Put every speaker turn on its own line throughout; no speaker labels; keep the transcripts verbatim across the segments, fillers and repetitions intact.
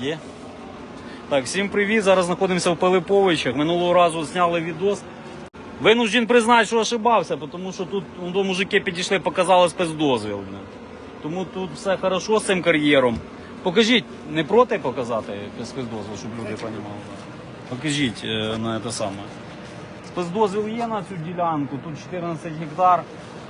Є. Так, всім привіт. Зараз знаходимося в Пилиповичах. Минулого разу зняли відос. Винужден признати, що ошибався, тому що тут ну, мужики підійшли, показали спецдозвіл. Тому тут все хорошо з цим кар'єром. Покажіть, не проти показати спецдозвіл, щоб люди розуміли? Покажіть е, на це саме. Спецдозвіл є на цю ділянку, тут чотирнадцять гектар.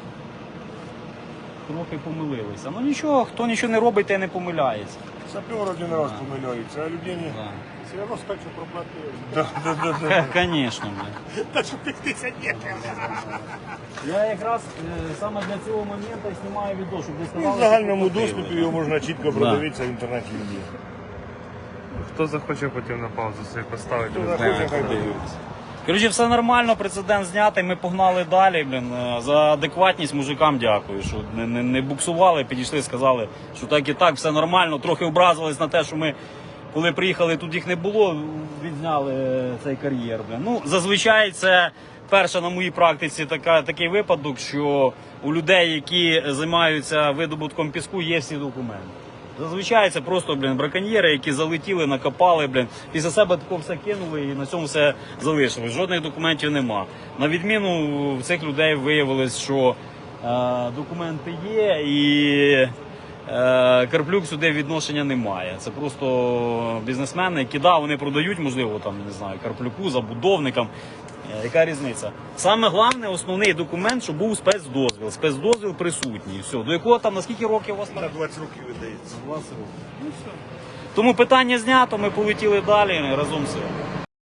Трохи помилилися. Ну нічого, хто нічого не робить, те не помиляється.
Сапер один раз помиляється, а людині
Да.
все одно стачу проплатили. Да, да, да, да.
Конечно.
Та що п'ятдесят метрів.
Я якраз е, саме для цього моменту знімаю відео, щоб ви
Ну,
сказали,
в загальному
що
доступі
купили.
його можна чітко продивитися в інтернеті.
Хто захоче потім на паузу собі поставити.
Хто
не
захоче,
знаю.
хай дивиться.
Коротше, все нормально, прецедент знятий, ми погнали далі. Блін. За адекватність мужикам дякую, що не, не, не буксували, підійшли, сказали, що так і так, все нормально. Трохи образились на те, що ми, коли приїхали, тут їх не було, відзняли цей кар'єр. Блін. Ну, зазвичай це перша на моїй практиці така, такий випадок, що у людей, які займаються видобутком піску, є всі документи. Зазвичай це просто, блін, браконьєри, які залетіли, накопали, блін, після себе тако все кинули і на цьому все залишилось. Жодних документів нема. На відміну в цих людей виявилось, що е, документи є і е, Карплюк сюди відношення немає. Це просто бізнесмени, які, да, вони продають, можливо, там, не знаю, Карплюку, забудовникам. Е, яка різниця? Саме головне, основний документ, щоб був спецдозвіл. Спецдозвіл присутній. Все. До якого там, на скільки років у вас там?
На двадцять років видається.
двадцять років. Ну, все. Тому питання знято, ми полетіли далі разом з цим.